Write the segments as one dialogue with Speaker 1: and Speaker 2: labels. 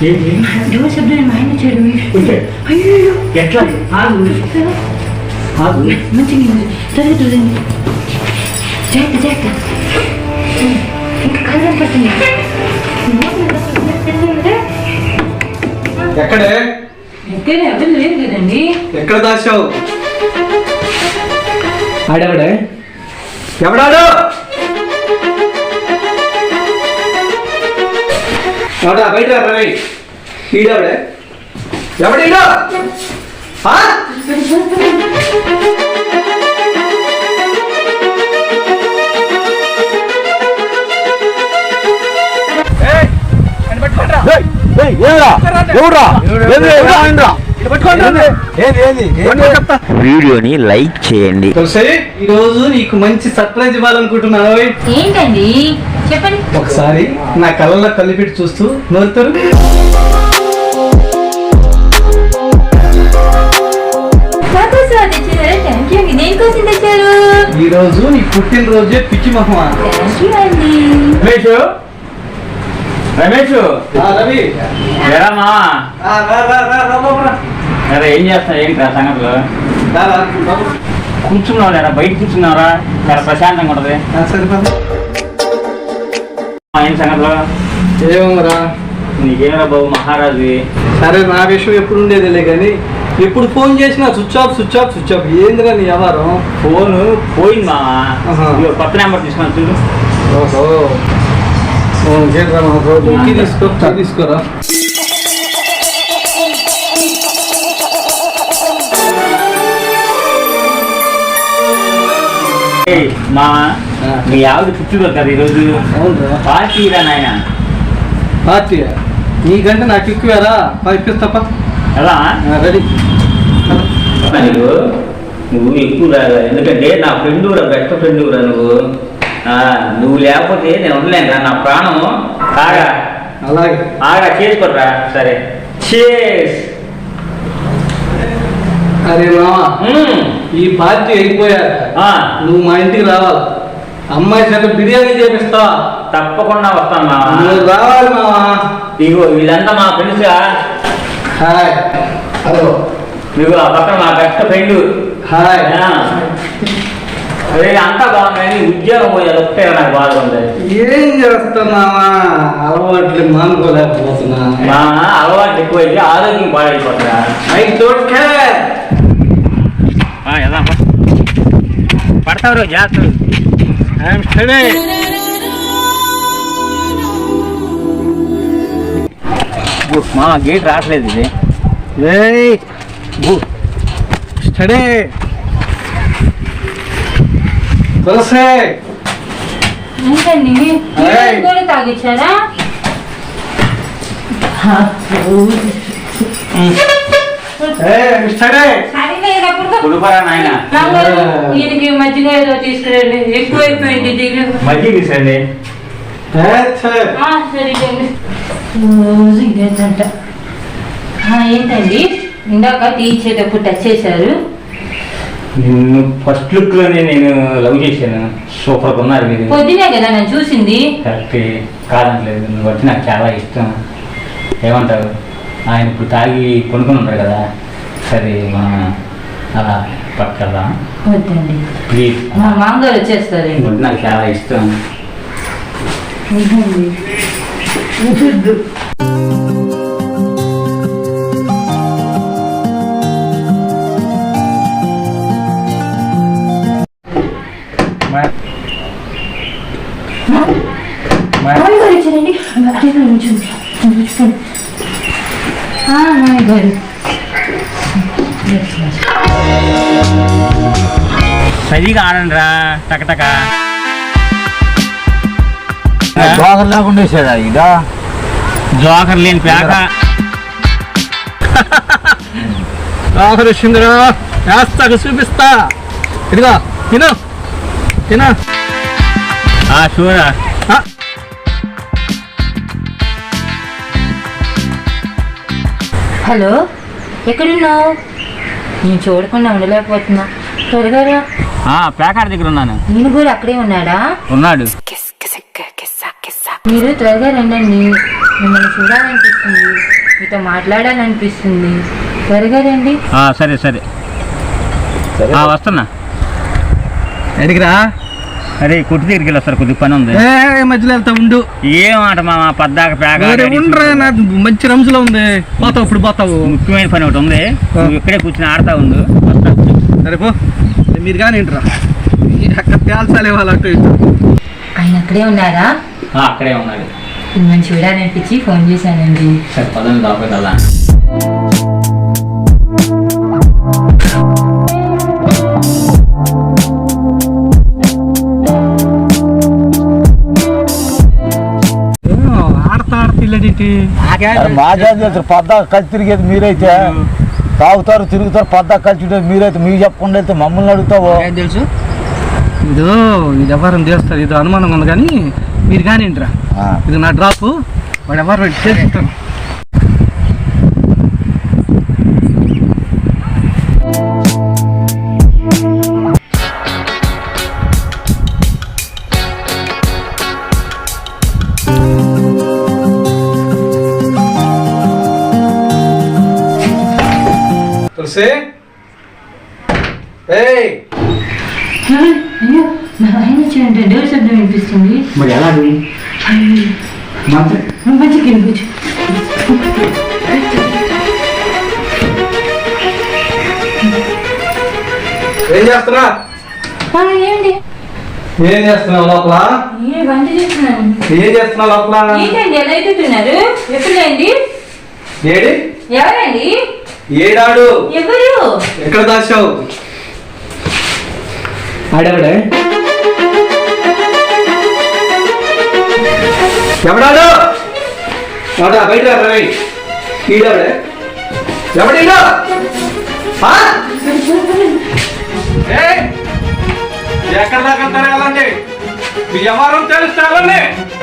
Speaker 1: శబ్దం మా ఆయన చెడు
Speaker 2: ఎట్లా
Speaker 1: మంచిగా జరుగుతుందండి జాగ్రత్త జాగ్రత్త ఇంకా కలర్ పడుతుంది
Speaker 2: ఎక్కడే
Speaker 1: ఎక్కడే ఎవరు లేదు కదండి
Speaker 2: ఎక్కడ దాచావు ఆడెవడే ఎవడాడు ఎవడా బయట రవి ఈడెవడే ఎవడీడో
Speaker 3: వీడియోని లైక్ చేయండి.
Speaker 2: ఈ రోజు నీకు మంచి సర్ప్రైజ్ ఇవ్వాలనుకుంటున్నాను.
Speaker 1: ఏంటండి చెప్పండి.
Speaker 2: ఒకసారి నా కళ్ళల్లో కలిపెట్టి చూస్తూ నోరుతారు. ఈ రోజు నీ పుట్టినరోజే పిచ్చి మహమా.
Speaker 4: రమేష్
Speaker 2: రవి
Speaker 4: అరే ఏం చేస్తా ఏంటి సంగతులు కూర్చున్నావు లేదా బయట కూర్చున్నావురా చాలా ప్రశాంతంగా ఉంటది. ఏం సంగతులు
Speaker 2: ఏమరా
Speaker 4: నీకేమరా బాబు మహారాజు.
Speaker 2: సరే నా విషయం ఎప్పుడు ఉండేదిలే కానీ ఎప్పుడు ఫోన్ చేసినా switch off switch off switch off ఏందిరా నీ వ్యవహారం?
Speaker 4: ఫోన్ పోయింది మామా. కొత్త నెంబర్ తీసుకున్నాను చూడు.
Speaker 2: ఓహో తీసుకోరా
Speaker 4: మామా మీ ఆవిడ పుట్టినరోజు కదా ఈరోజు. పార్టీ రా నాయన.
Speaker 2: పార్టీ నీకంటే నాకు ఎక్కువేరా ఇప్పిస్తాపా.
Speaker 4: ఎలా
Speaker 2: రెడీ
Speaker 4: నువ్వు ఎక్కువ రాదా ఎందుకంటే నా ఫ్రెండ్ రా బెస్ట్ ఫ్రెండ్ రా నువ్వు లేకపోతే నేను ఉండలేను రా నా ప్రాణం. ఆగా
Speaker 2: అలాగే
Speaker 4: ఆగా చేసుకోరా. సరే చేస్.
Speaker 2: అరే మామా ఈ పార్టీ అయిపోయాక నువ్వు మా ఇంటికి రావాలి. అమ్మాయి చేత బిర్యానీ చేపిస్తా.
Speaker 4: తప్పకుండా వస్తాను మామా.
Speaker 2: నువ్వు రావాలి మామా.
Speaker 4: ఇగో వీళ్ళంతా మా ఫ్రెండ్స్.
Speaker 2: Hi hello.
Speaker 4: ఇగో ఆ పక్కన మా బెస్ట్ ఫ్రెండ్.
Speaker 2: హాయ్.
Speaker 4: అదే అంతా బాగుంది. ఉద్యోగం పోయేది ఒకటే నాకు బాధ ఉంది.
Speaker 2: ఏం చేస్తున్నావా? అలవాట్లు మానుకోలేకపోతున్నా.
Speaker 4: మా అలవాటు ఎక్కువైతే ఆరోగ్యం పాడైపోతుందా. పడతావు జాగ్రత్త. మా గేట్ రావట్లేదు ఇది.
Speaker 2: స్టడీ
Speaker 1: తాగిచ్చారా? ఈయనకి మజ్జిగ ఏదో తీసుకురండి. ఎక్కువైపోయింది
Speaker 4: మజ్జిగ తీసండి.
Speaker 1: రోజు ఇదేంటంట. ఏంటండి ఇందాక తీసేటప్పుడు టచ్ చేశారు.
Speaker 4: నిన్ను ఫస్ట్ లుక్ లోనే నేను లవ్ చేశాను. సూపర్ ఉన్నారు మీరు.
Speaker 1: పొద్దునే కదా నేను చూసింది.
Speaker 4: కరెక్ట్ కాదనలేదు. నువ్వు వచ్చి నాకు చాలా ఇష్టం. ఏమంటావు? ఆయన ఇప్పుడు తాగి కొనుక్కొని ఉంటారు కదా. సరే మనం అలా పక్కదా
Speaker 1: వద్దండి
Speaker 4: ప్లీజ్.
Speaker 1: మా మామగారు వచ్చేస్తారు.
Speaker 4: నాకు చాలా ఇష్టం. సరిగా ఆడండి రా టకటక.
Speaker 3: జోకర్ లేకుండా వేసాడా ఇక?
Speaker 4: జోకర్ లేని పేక.
Speaker 2: జోకర్ వచ్చిందిరా. వేస్తాక చూపిస్తా. ఇదిగా తిను తినా.
Speaker 4: షూరా.
Speaker 1: హలో ఎక్కడున్నావు? నేను చూడకుండా ఉండలేకపోతున్నా. త్వరగా
Speaker 4: పేకాడ దగ్గర ఉన్నాను.
Speaker 1: నేను కూడా అక్కడే ఉన్నాడా?
Speaker 4: ఉన్నాడు.
Speaker 1: మీరు త్వరగా రండి. మిమ్మల్ని చూడాలనిపిస్తుంది, మీతో మాట్లాడాలనిపిస్తుంది. త్వరగా రండి.
Speaker 4: సరే సరే వస్తున్నా.
Speaker 2: ఎడిగిరా?
Speaker 4: అరే కొట్టు దగ్గరికి వెళ్ళొస్తారు, కొద్దిగా పని ఉంది.
Speaker 2: మధ్యలో వెళ్తా ఉండు.
Speaker 4: ఏమాట మామ పద్దాక
Speaker 2: ఉండరా, మంచి రంజులో ఉంది. పోతావు, ఇప్పుడు పోతావు.
Speaker 4: ముఖ్యమైన పని ఒకటి ఉంది, నువ్వు ఇక్కడే కూర్చొని ఆడుతా ఉండు.
Speaker 2: సరే పో, మీరు కానీ ఏంటరా అక్కడ తేల్చాలే వాళ్ళు అటు ఇటు.
Speaker 1: ఆయన అక్కడే ఉన్నారా?
Speaker 4: అక్కడే ఉన్నాడు.
Speaker 1: మిమ్మల్ని చూడాలనిపించి ఫోన్ చేశానండి.
Speaker 4: సరే పదండి లోపలికి వెళ్దాం.
Speaker 3: మాకేం తెలుసు, పద్దా కలిసి తిరిగేది మీరైతే. తాగుతారు తిరుగుతారు, పద్దా కలిసి ఉండేది మీరైతే. మీకు చెప్పకుండా వెళ్తే మమ్మల్ని అడుగుతావు.
Speaker 2: ఏం తెలుసు? ఇది వ్యవహారం చేస్తారు, ఇది అనుమానంగా ఉంది. కానీ మీరు కానీ ఏంట్రా, ఇది నా డ్రాప్. వాడు ఎవరు చేసుకుంటాను. తులసి,
Speaker 1: అయ్యో, నా ఆయన వచ్చాయంటే డోర్ శబ్దం వినిపిస్తుంది.
Speaker 4: మరి ఎలా
Speaker 1: మంచిగా వినిపించు.
Speaker 2: ఏం చేస్తున్నా?
Speaker 1: ఏంటి?
Speaker 2: ఏం చేస్తున్నావు లోపల?
Speaker 1: వంట చేస్తున్నాను.
Speaker 2: ఏం చేస్తున్నావు లోపల?
Speaker 1: ఏంటండి ఎలా ఎదుగుతున్నారు? ఎప్పుడండి?
Speaker 2: ఏడి?
Speaker 1: ఎవరండి?
Speaker 2: ఏడాడు?
Speaker 1: ఎవరు?
Speaker 2: ఎక్కడ దాచావు? ఆడెవడే? ఎవడాడు? వాడా బయట రవి. ఈడెవడే? ఎవడీడు? ఎక్కడ దాకా తిరగాలండి? మీ వ్యవహారం తెలుస్తారండి.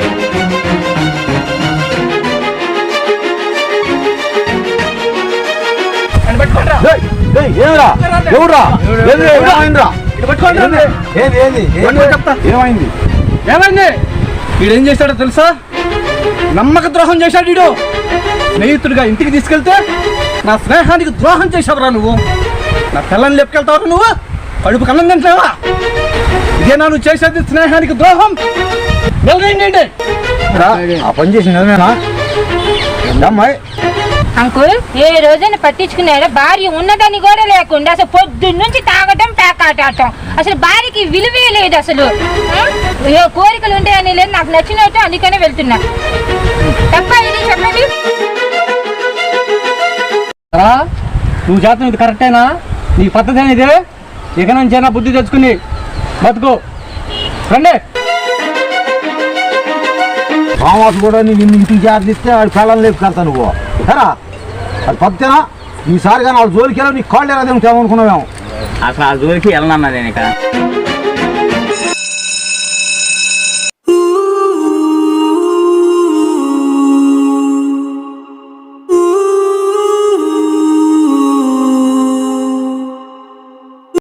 Speaker 2: ఏమైంది? వీడేం చేశాడో తెలుసా? నమ్మక ద్రోహం చేశాడు వీడు. స్నేహితుడిగా ఇంటికి తీసుకెళ్తే నా స్నేహానికి ద్రోహం చేసావురా నువ్వు. నా పిల్లని లేపుకెళ్తావు నువ్వు. కడుపు కన్నం తింటావా? ఇదేనా నువ్వు చేసేది స్నేహానికి ద్రోహం? ఏంటి
Speaker 3: ఆ పని చేసి నిజమేనా అమ్మాయి?
Speaker 5: అంకుల్, ఏ రోజైనా పట్టించుకున్నారా? భార్య ఉన్నదని కూడా లేకుండా అసలు పొద్దున్న నుంచి తాగటం పేకాటం. అసలు భార్యకి విలువే లేదు అసలు. ఏ కోరికలు ఉంటాయని లేదు, నాకు నచ్చినట్టు అందుకనే వెళ్తున్నా. తప్ప ఇది చెప్పండి.
Speaker 2: నువ్వు చేస్తాను ఇది కరెక్టేనా? నీ పద్ధతి ఇదే. ఇక నుంచైనా బుద్ధి తెచ్చుకుని బతుకు. రండి.
Speaker 3: మామాసు కూడా నేను ఇంటికి జాగ్రత్త వాడి పిల్లలు లేపుకెళ్తా నువ్వు. సరా అది పద్ధతేనా? ఈసారిగా నా జోలికి వెళ్ళి నీ కాళ్ళు ఎలా తింటావు అనుకున్నావేమో.
Speaker 4: అసలు ఆ జోలికి వెళ్ళనన్నా నేను ఇక.